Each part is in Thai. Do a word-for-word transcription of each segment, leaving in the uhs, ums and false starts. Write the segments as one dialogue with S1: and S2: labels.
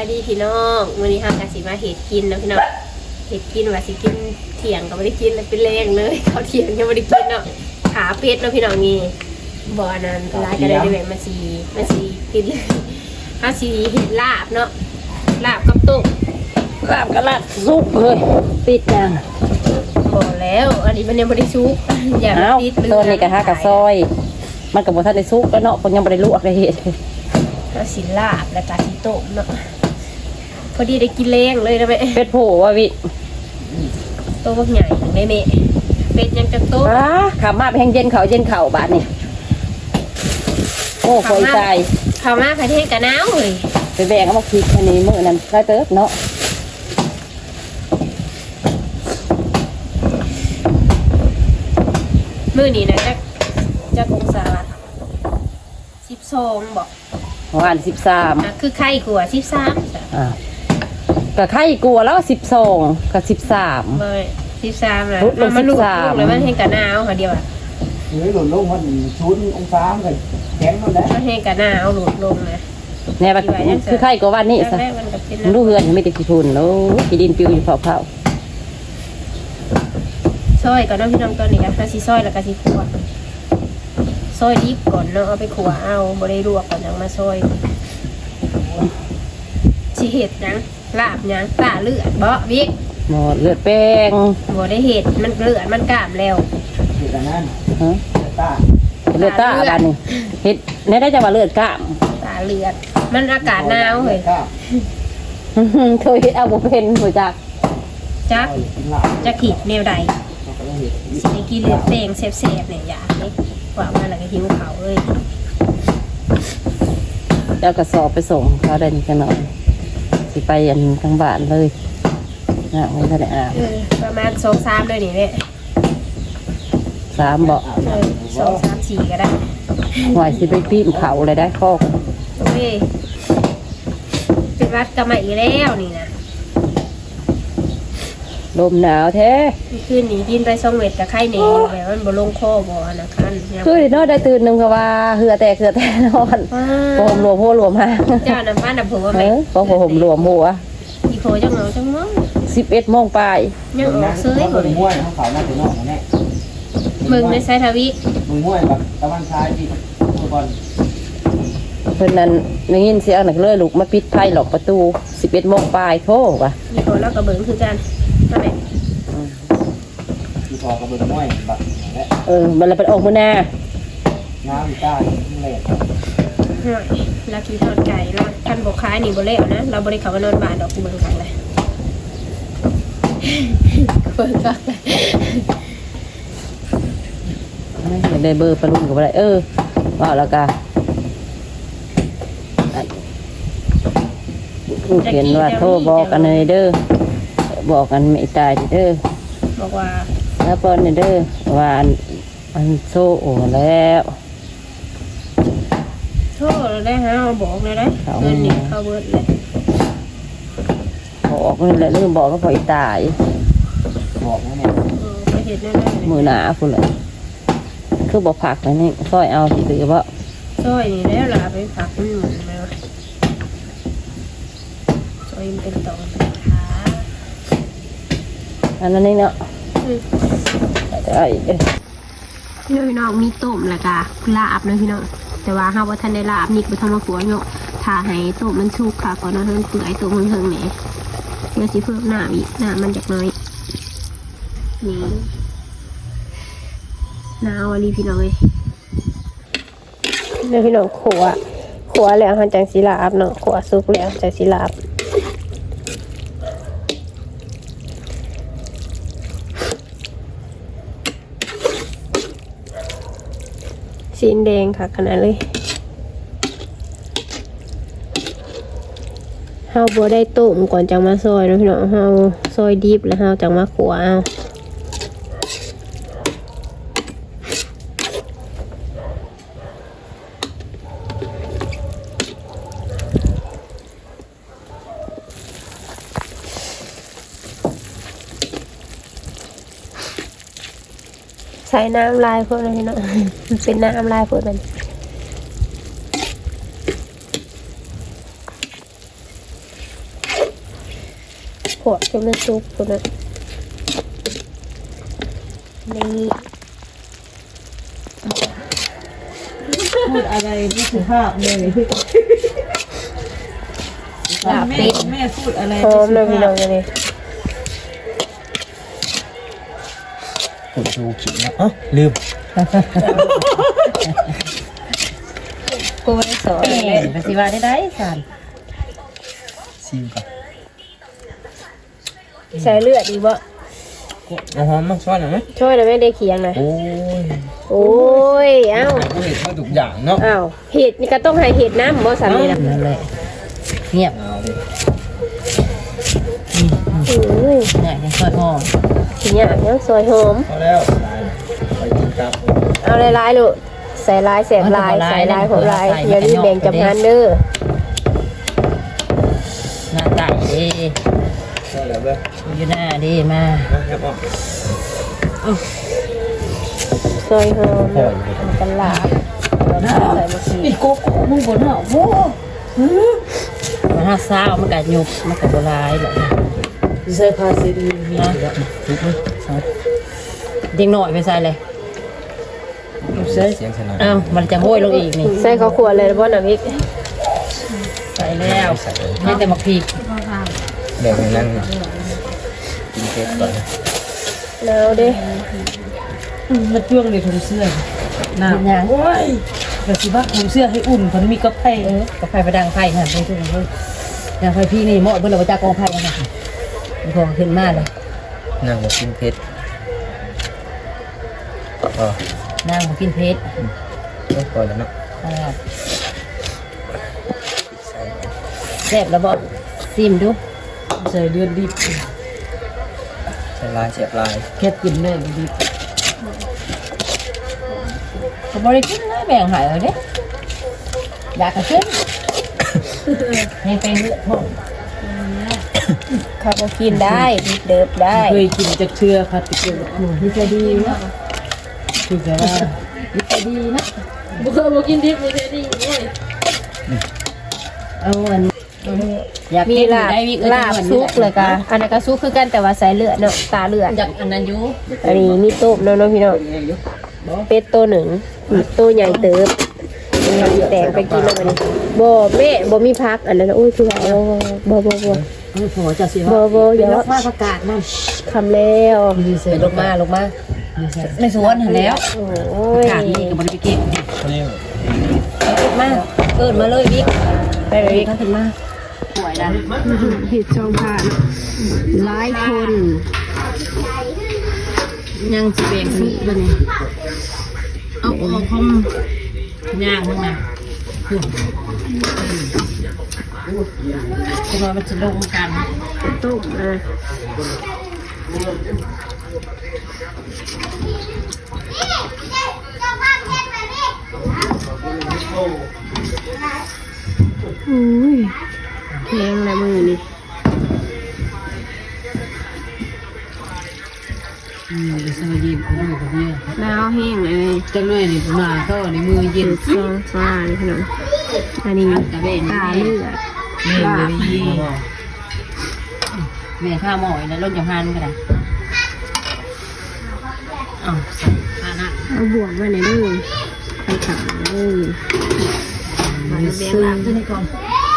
S1: ดีพี่น้องวันนี้ห้ามกสิมาเห็ดกินนะพี่น้องเห็ดกินว่าสิกินเถียงก็ไม่ได้กินเลยเป็นแรงเลยเขาเถียงยังไม่ได้กินเนาะขาเป็ดเนาะพี่น้องนี่บ่อนั้นร้ายก็ได้ด้วยมาสีมาสีกินเลยห้าสีเห็ดลาบเนาะลาบกับตุ๊ก
S2: ลาบก็ลาบซุปเลยปิดยัง
S1: บ่แล้วอันนี้มันยังไม่ได้ชุกอย่า
S2: เอ้า
S1: ติด
S2: ตัวนี้กระทะกระซอย มันกับบ่ทันได้ซุปแล้วเนาะคนยังบ่ได้ลวกได้เฮ็ด
S1: ห้าสีลาบแล้วก็สีต้มเนาะพอดีได้กินแรงเลยนะแม่
S2: เป็ดโผว่าวิ
S1: โตบักใหญ่แม่แม่เป็ดยังจะโต
S2: อ้าขามาไปแห้งเย็นเขาเย็นเข่าบาดนี่โอ้โหยตาย
S1: ข้าวมาประเทศกะหนาวเลย
S2: ไปแบ่งเอามาคิดอันนี้มื้อนั้นได้เติบเนาะ
S1: มื้อนี้นะจะจะกงศาสิบสองบอก
S2: ประมาณสิบสาม
S1: อ่ะคือไข่กลัวสิบสาม
S2: อ่าก็ไข่กลัวแล้วสิบสองกับสิบสาม
S1: เบยสิบสามนะ
S2: ลดลง
S1: มันลูก
S2: สิบสาม
S1: ลูกเลยมันเห็นกะหนาวค่ะเดียวอ่ะ
S3: เฮ้ยหล่นลงมันชุนองศาเลยแข็งมันแล้ว
S1: มันเห็นกะหนาวหลุดลงนะ
S2: แน่บัดคือไข่กว่าวันนี้ซะ
S1: แรกๆมันก็เป็น
S2: มันรู้เฮือนไม่ได้ขี้ฝุ่นโอ้ขี้ดินปิวอยู่เผา
S1: ซอยก่อนเนาะพี่น้องตอนนี้ค่ะสิซอยแล้วก็สิขัวซอยดิบก่อนเนาะเอาไปขัวเอาบ่ได้ลวกก่อนยังมาซอยสิเห็ดหยังลาบหยังตาเลือดบ่วิก
S2: ๆหมดเลือดแป้ง
S1: บ่ได้เห็ดมันเลือดมันกล้ามแล้ว
S3: เด็กนั้น
S2: ฮะ
S3: ตา
S2: เลือดตาบาดนี่เฮ็ดแน่ได้จังว่าเลือดกล้าม
S1: ตาเลือดมันอากาศหนาวเฮ้ย
S2: เคยเฮ็ดเอาบ่เป็นบ่จัก
S1: จัก
S3: กินหลับ
S1: จะขีดแนวใด
S3: เราก็ต้องเห็น
S1: สิได้กินเลือดแป้งแซ่บๆเนี่ยอยากเด้ว่ามาแล้วก็หิวเขาวเอ้ย
S2: เจ้ากระสอบไปส่งเขาได้นี่กันหน่อยสิไปอันทางบ้านเลยน่ะไม่ทันได้อาบ
S1: เออประมาณสองสามเลยนี่แหละ
S2: สามบ่
S1: เออสองสามสี่ก็ได้
S2: หวยสิไปปีนเขาเลยได้คอก
S1: โอ้ยเป็นวัดกรรมาอีกแล้วนี่นะ
S2: ลมหนาวแท้
S1: คืนนี้กินไปสองเม็ดกับไข่เหนียวแบบมันบ่ลงคอบ่อนะคันเนี่ย
S2: คือเนาะได้ตื่นหนึงก็ว่าเหือแตกเหือแตกนอน
S1: ว้า
S2: โผมรวมหัวรวมหาง
S1: เจ้าน้ำฟ้าน้ำผัว
S2: เอ
S1: แม่
S2: อพอผมรวมหัว
S1: อีโพจังเหงาจังเงา
S2: สิบเอ็ดโมงปลาย
S1: ยังออกเสื้อ
S3: เขา
S1: หมด
S3: เป็
S1: เล
S3: น
S1: ย
S3: มวยเขาขาวหน้าเป็นนอกนะแม่
S1: มึงในไซทวิ
S3: มึงมวยแบบตะวันชายที่ฟุตบอล
S2: เพิ่นนั้นได้ยินเสียงนักเลยลูกมาปิดไพ่หลอกประตูสิบเอ็ดโมงปลายโทษว่ะ
S1: อีโพแล้วก็เบิ่งคือกันมาแม่
S3: ที่พอกับเบิ้งมวยแบบและ
S2: เออมันเลยเป็นออกมือหน้า
S3: น้ำใต้นี่แหละ
S1: ห่วยแล้วกินทอดไก่เนาะท่านบอกขายนี่บ่เล้วนะเราบ่ได้เข้ามานอนบ้านดอกกูเบิ่งกันเลยเบิ่งกันเลย
S2: อยากได้เบอร์ปลาลุงกับอะไรเออว่าแล้วกันเขียนว่าโทรบอกกันเลยเด้อบอกกันไม่ตายเด้อ
S1: บอกว่า
S2: แล้วปอนเด้อว่าอันอันโซ่โอ้แล้ว
S1: โทษเราได้ฮะเอาบอกเลยได้เงินนี่เข้าเบิดเลย
S2: บอกนี่แหละเรื่องบอกก็พออีตาย
S3: บอกนะเนี่ย
S1: เออไปเห็นแน่ๆ
S2: มือหนาคุณเลยคือบอกผักนะนี่ซอยเอาถือว่า
S1: ซอยนี่แล้วล่ะไปผักมันหมุนแล้วซอยมันเป็นตอนเป็นขา
S2: อันนั้นนี่เนาะไอ้เอ้ย
S1: พี่น้องมีต้มแล้วก็ลาบนะพี่น้องแต่ว่าห้าว่าท่านได้ลาบนี่คือทำมาขัวเนาะถ้าให้ต้มมันสุกค่ะก่อนนะมันเปื่อยต้มมันเทิงเนี่ยเดี๋ยวสิเพิ่มน้ำอีกน้ำมันจากน้อยนี่น้ำวันนี้พี่น้องเลยเดี๋ยวพี่น้องขัวขัวแล้วหันจังสีลาบเนาะขัวสุกแล้วจังสีลาบสีแดงค่ะขนาดเลยเฮาบัวได้ต้มก่อนจังมาซอยนะพี่น้องเฮาซอยดิบแล้วเฮาจังมาขัวเอาใส่น้ำลายเพื่อนนะพี่น้องมันเป็นน้ำลายเพื่อนมันวกจะมันซุกตัวนั้นนี่
S2: พูดอะไรไม่สุภาพเลย
S1: ลาบเป็ด
S2: แม่พูดอะไร
S1: หอมเลยพี่น้องเลย
S3: กดดูขิงนะอ๋อลืม
S1: กูไม่ได้สอน
S2: แม่ไปสิว่าได้ได้สัน
S3: ซิมก่อน
S1: ใส่เลือดดีบ่
S3: เอาหอมมาช้อนหน่อยไหม
S1: ช่วยนะไม่ได้เคียงนะ
S3: โอ้ย
S1: โอ้ยเอ้า
S3: กูเห็นมาทุกอย่างเนาะ
S1: อ้าวเห็ดนี่ก็ต้องให้เห็ดน้ำบ่สามีนะ
S2: นั่นแหละเงียบ
S3: เอาดิ
S1: โอ้ย
S2: เนี่ยยังซอยหอม
S1: ทีเนี้ยยังซอยหอม
S3: พอแล้วไปกินกับ
S1: เอาลายๆลูกใส่ลายแสบลายใส่ลายของลายอย่าลืมแบ่งจำนานเด้อ
S2: หน้าตาดี
S3: ใช่แล้วเบ้อ
S2: อยู่หน้าดีมา
S3: มาครับพ่อ
S1: ซอยหอมกันลาบใส่มะขี
S2: อีกโกโก้มึงบนเหรอโว้มันห้าซ่ามันกัดยุบมันกัดโบราณเลยใส่พาซีดีนะเด็กหน่อยไปใส่เลย
S3: เสียงสนาน
S2: อ้าวมันจะโห้ยลงอีกนี่
S1: ใส่ข้าวขวดเลยบ่น้ำพริก
S2: ใส่แล้วให้แต่หมักพริก
S3: เดี๋ยวนั่งกินเค้กก่อน
S1: แล้วเด้
S4: มาจ้วงในถุงเสื้อ
S2: น้ำยาง
S4: ว้ายแต่สิว่าถุงเสื้อให้อุ่นมันมีกาแฟ
S2: เออกาแฟไปดังไฟค่ะไปทุกคนเลยดังไฟพี่นี่เหมาะเพื่อนเราไปจากกองไฟกันค่ะมีของขึ้นมาเลย
S3: นั่งกินเค้กอ๋อ
S2: นั่งมากินเพชร
S3: ไม่พอแล้วเนาะ
S2: แซ่บแล้วบอกซิมดู
S4: ใส่เลือดดิบ
S3: ใส่ลายเสียบลาย
S4: แค่กินเลือดดิบ
S2: เขาบริกินนะแบ่งหายเลยเด้อยากกระขึ้นยังเป็นเลือดพ่อ
S1: ข้าวก็กินได้ดิบเดิบได้
S4: เคยกินจากเชื่อค่ะติดเชื้อหนูที่จะดีนะคือจะว่า
S2: ดีดีนะ
S4: บุกบุกินดิบไม่ได้ดีเลย
S2: เอาอันอยาก
S1: มี
S2: กิน
S1: ลาบ
S2: ได้วิ
S1: ลาบซุกเลยกะอันนั้นก็ซุกคือกันแต่ว่าใส่เลือดเนาะตาเลือด
S2: อยากอันนั้นอยู่
S1: อันนี้มีต้มเนาะเนาะพี่น้องเป็ดตัวหนึ่งตัวใหญ่เติบแต่งไปกินแล้วมันบ่แม่บ่มีพักอันนั้นโอ้ยคือเอาบ่บ่บ่
S2: ไม่พอจะสิ
S1: บ่บ่อย่า
S2: ล
S1: ว่าก
S2: มาประกาศนั่น
S1: คำแล้ว
S2: ไปลงมาลงมาในสวนหันแล้ว
S1: โอ้
S2: ประ
S1: ย
S2: กาศนี่กับบริษัทเก็บ
S3: เขาเรียก
S2: มาเกิดมาเลยวิก
S1: ไปเลย
S2: ท่านถึงมาสวยนะ
S1: เห็ดช่องผ่านหลายคน
S2: ยังสิเบงซุกเลยเอาออกของย่างมึงนะจะมามันจะลงกัน
S1: ต้มอ่ะอุ้ยแข็งแล้วมือนี่
S4: อืมสมัยยิ้มเขาดูกับเนี่ย
S1: แล้วแห้งเลย
S4: จังเลยนี่มาก็ในมือเย็น
S1: ซองฟ้าเลยพี่น้องอันนี้ตาเลือด
S4: แม่เลยยี่
S2: แม่ข้าวหมอยแล้วรถยงฮันก็ได้อ้าวใส่ข้านะ
S1: เอาบวกมาในอยเด้วยไปขังเลยมาเลี้ยงลาบ
S2: ขึ้นให้ก่อน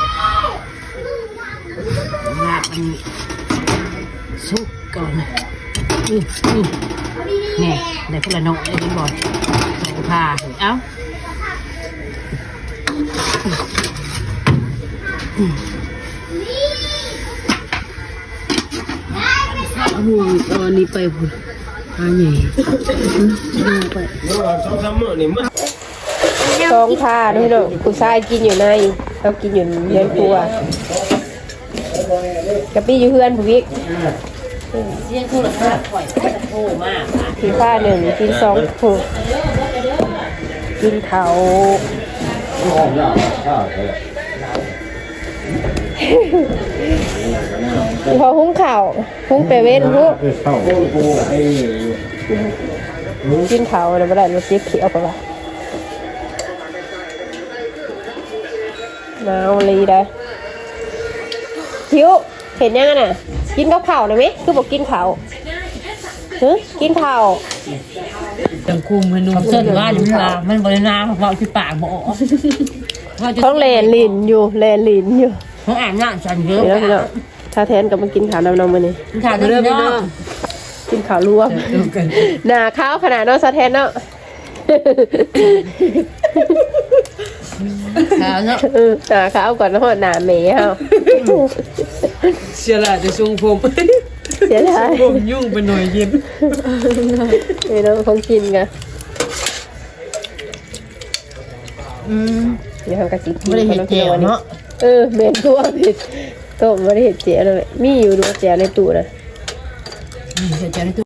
S2: ลาบมันสุกก่อนอืออือนี่ได้พวกละนกได้ยินบ่อยใส่ผ้าเอ้า
S4: โอ้โหตอนนี้ไปพุ่นอันใหญ่
S1: ซองผ้าด้วยพี่น้องผู้ชายกินอยู่ในเรากินอยู่เรือนครัวกับพี่อยู่เพื่อนผู้วิก
S2: เสียงโทรศัพท์ข่อยมันจะโทรมาก
S1: กินผ้าหนึ่งกินสองผูกกินเขาพอหุ้งข่าวหุ้งไปเว้นหุ้ง
S3: เข้าปูไอ้
S1: กินเขาแล้วไม่ได้รถเจ๊เขียวไปละหนาวเลยได้คิ้วเห็นยังไงน่ะกินกับข้าวได้ไหมคือบอกกินข้าวเฮ้ยกินข้าว
S4: จังคุมให้นุ่มเส้นว่าอยู่ว่ามันบริณาเพราะที่ปากบอก
S1: ต้องแลนลินอยู่แลนลินอยู่
S4: เขาอ่านหน้าฉันเยอะ
S1: เดี๋ยวเนาะถ้าแทนกับมากินข้าวน้ำนมมานี่
S4: ถามเรื่องน้อง
S1: กินข้าวรวมหนาข้าวขนาดเนาะซาแทนเนาะ
S4: ถามเนาะ
S1: เออหนาข้าวก่อนแล้วหนาเมย์เฮา
S4: เสียละจะทรงผม
S1: เสียดาย
S4: ผมยุ่งไปหน่อยยิ้ม
S1: ไม่ต้องคงกินกัน
S4: อืม
S1: เดี๋ยวทำกระสิกิน
S4: ไม่ได้เห็นเจียวเนาะ
S1: เออเมนตัวผิดต้มไม่ได้เห็นเจียวเลยมีอยู่ดูเจียวในตู้นะ
S4: เสียใจในตัว